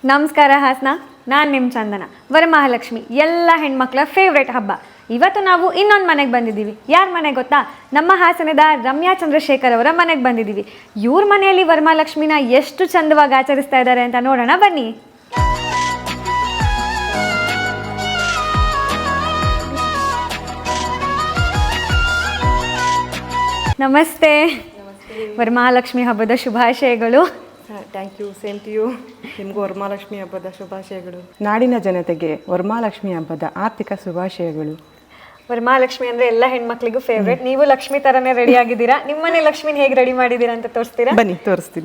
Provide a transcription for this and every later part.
ನಮಸ್ಕಾರ ಹಾಸನ, ನಾನು ನಿಮ್ಮ ಚಂದನ. ವರಮಹಾಲಕ್ಷ್ಮಿ ಎಲ್ಲ ಹೆಣ್ಮಕ್ಳ ಫೇವ್ರೇಟ್ ಹಬ್ಬ. ಇವತ್ತು ನಾವು ಇನ್ನೊಂದು ಮನೆಗೆ ಬಂದಿದ್ದೀವಿ. ಯಾರ ಮನೆಗೆ ಗೊತ್ತಾ? ನಮ್ಮ ಹಾಸನದ ರಮ್ಯಾ ಚಂದ್ರಶೇಖರ್ ಅವರ ಮನೆಗೆ ಬಂದಿದ್ದೀವಿ. ಇವ್ರ ಮನೆಯಲ್ಲಿ ವರಮಹಾಲಕ್ಷ್ಮಿನ ಎಷ್ಟು ಚಂದವಾಗಿ ಆಚರಿಸ್ತಾ ಇದ್ದಾರೆ ಅಂತ ನೋಡೋಣ ಬನ್ನಿ. ನಮಸ್ತೆ. ವರಮಹಾಲಕ್ಷ್ಮಿ ಹಬ್ಬದ ಶುಭಾಶಯಗಳು. Thank you, same to you. ನಿಮಗೂ ವರಮಹಾಲಕ್ಷ್ಮಿ ಹಬ್ಬದ ಶುಭಾಶಯಗಳು. ನಾಡಿನ ಜನತೆಗೆ ವರಮಹಾಲಕ್ಷ್ಮಿ ಹಬ್ಬದ ಆರ್ಥಿಕ ಶುಭಾಶಯಗಳು. ವರಮಹಾಲಕ್ಷ್ಮಿ ಅಂದರೆ ಎಲ್ಲ ಹೆಣ್ಮಕ್ಳಿಗೂ ಫೇವ್ರೇಟ್. ನೀವು ಲಕ್ಷ್ಮಿ ಥರನೇ ರೆಡಿ ಆಗಿದ್ದೀರಾ. ನಿಮ್ಮನೆ ಲಕ್ಷ್ಮಿನ ಹೇಗೆ ರೆಡಿ ಮಾಡಿದ್ದೀರಾ ಅಂತ ತೋರಿಸ್ತೀರಾ? ಬನ್ನಿ, ತೋರಿಸ್ತೀನಿ.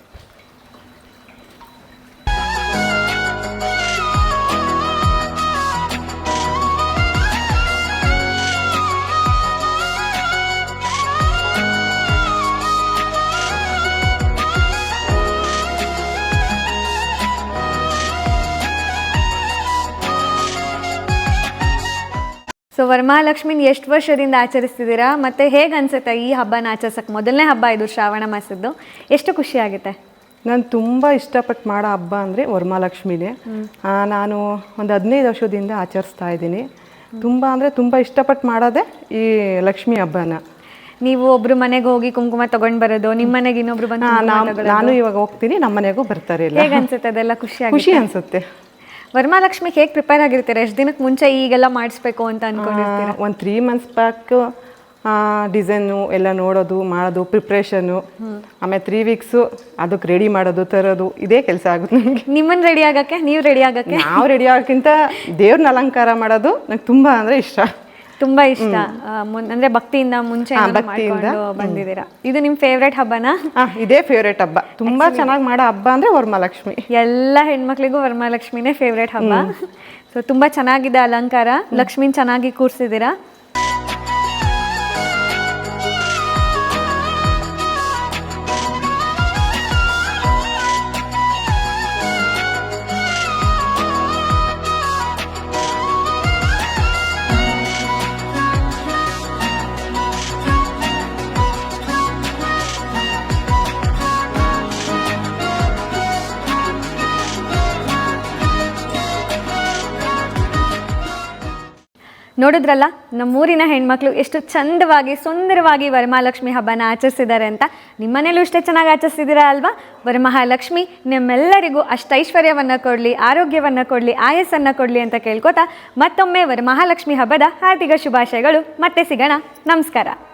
ಸೊ ವರಮಹಾಲಕ್ಷ್ಮಿನ ಎಷ್ಟು ವರ್ಷದಿಂದ ಆಚರಿಸ್ತಿದ್ದೀರಾ ಮತ್ತು ಹೇಗೆ ಅನ್ಸುತ್ತೆ ಈ ಹಬ್ಬನ ಆಚರಿಸೋಕ್ಕೆ? ಮೊದಲನೇ ಹಬ್ಬ ಇದು ಶ್ರಾವಣ ಮಾಸದ್ದು. ಎಷ್ಟು ಖುಷಿ ಆಗುತ್ತೆ? ನಾನು ತುಂಬ ಇಷ್ಟಪಟ್ಟು ಮಾಡೋ ಹಬ್ಬ ಅಂದರೆ ವರಮಹಾಲಕ್ಷ್ಮಿನೇ. ನಾನು ಒಂದು 15 ವರ್ಷದಿಂದ ಆಚರಿಸ್ತಾ ಇದ್ದೀನಿ. ತುಂಬ ಅಂದರೆ ತುಂಬ ಇಷ್ಟಪಟ್ಟು ಮಾಡೋದೇ ಈ ಲಕ್ಷ್ಮಿ ಹಬ್ಬನ. ನೀವು ಒಬ್ರು ಮನೆಗೆ ಹೋಗಿ ಕುಂಕುಮ ತಗೊಂಡು ಬರೋದು, ನಿಮ್ಮ ಮನೆಗೆ ಇನ್ನೊಬ್ರು ಬಂದು ನಾನು ಇವಾಗ ಹೋಗ್ತೀನಿ, ನಮ್ಮ ಮನೆಗೂ ಬರ್ತಾರೆ. ಹೇಗೆ ಅನ್ಸುತ್ತೆ? ಅದೆಲ್ಲ ಖುಷಿ ಅನಿಸುತ್ತೆ. ವರಮಹಾಲಕ್ಷ್ಮಿಗೆ ಹೇಗೆ ಪ್ರಿಪೇರ್ ಆಗಿರ್ತೀರಾ? ಎಷ್ಟು ದಿನಕ್ಕೆ ಮುಂಚೆ ಈಗೆಲ್ಲ ಮಾಡಿಸ್ಬೇಕು ಅಂತ ಅಂದ್ಕೊಂಡಿರ್ತೀರಾ? ಒಂದು 3 months ಬ್ಯಾಕ್ ಡಿಸೈನು ಎಲ್ಲ ನೋಡೋದು, ಮಾಡೋದು, ಪ್ರಿಪ್ರೇಷನು. ಆಮೇಲೆ 3 weeks ಅದಕ್ಕೆ ರೆಡಿ ಮಾಡೋದು, ತರೋದು, ಇದೇ ಕೆಲಸ ಆಗುತ್ತೆ ನನಗೆ. ನಿಮ್ಮನ್ನು ರೆಡಿ ಆಗೋಕ್ಕೆ, ನೀವು ರೆಡಿ ಆಗೋಕ್ಕೆ? ನಾವು ರೆಡಿ ಆಗೋಕ್ಕಿಂತ ದೇವ್ರನ್ನ ಅಲಂಕಾರ ಮಾಡೋದು ನಂಗೆ ತುಂಬ ಅಂದರೆ ಇಷ್ಟ. ತುಂಬ ಇಷ್ಟ. ಅಂದರೆ ಭಕ್ತಿಯಿಂದ ಮುಂಚೆ ಬಂದಿದ್ದೀರಾ. ಇದು ನಿಮ್ಮ ಫೇವ್ರೇಟ್ ಹಬ್ಬನಾ? ಇದೇ ಫೇವ್ರೇಟ್ ಹಬ್ಬ. ತುಂಬ ಚೆನ್ನಾಗಿ ಮಾಡೋ ಹಬ್ಬ ಅಂದರೆ ವರಮಹಾಲಕ್ಷ್ಮಿ. ಎಲ್ಲ ಹೆಣ್ಮಕ್ಳಿಗೂ ವರಮಹಾಲಕ್ಷ್ಮಿನೇ ಫೇವ್ರೇಟ್ ಹಬ್ಬ. ಸೊ ತುಂಬ ಚೆನ್ನಾಗಿದೆ ಅಲಂಕಾರ. ಲಕ್ಷ್ಮಿನ ಚೆನ್ನಾಗಿ ಕೂರಿಸಿದ್ದೀರಾ. ನೋಡಿದ್ರಲ್ಲ, ನಮ್ಮೂರಿನ ಹೆಣ್ಮಕ್ಳು ಎಷ್ಟು ಚಂದವಾಗಿ ಸುಂದರವಾಗಿ ವರಮಹಾಲಕ್ಷ್ಮಿ ಹಬ್ಬನ ಆಚರಿಸಿದ್ದಾರೆ ಅಂತ. ನಿಮ್ಮನೇಲೂ ಇಷ್ಟೇ ಚೆನ್ನಾಗಿ ಆಚರಿಸಿದ್ದೀರಾ ಅಲ್ವಾ? ವರಮಹಾಲಕ್ಷ್ಮಿ ನಿಮ್ಮೆಲ್ಲರಿಗೂ ಅಷ್ಟೈಶ್ವರ್ಯವನ್ನು ಕೊಡಲಿ, ಆರೋಗ್ಯವನ್ನು ಕೊಡಲಿ, ಆಯಸ್ಸನ್ನು ಕೊಡಲಿ ಅಂತ ಕೇಳ್ಕೊತಾ ಮತ್ತೊಮ್ಮೆ ವರಮಹಾಲಕ್ಷ್ಮಿ ಹಬ್ಬದ ಹಾರ್ದಿಕ ಶುಭಾಶಯಗಳು. ಮತ್ತೆ ಸಿಗೋಣ. ನಮಸ್ಕಾರ.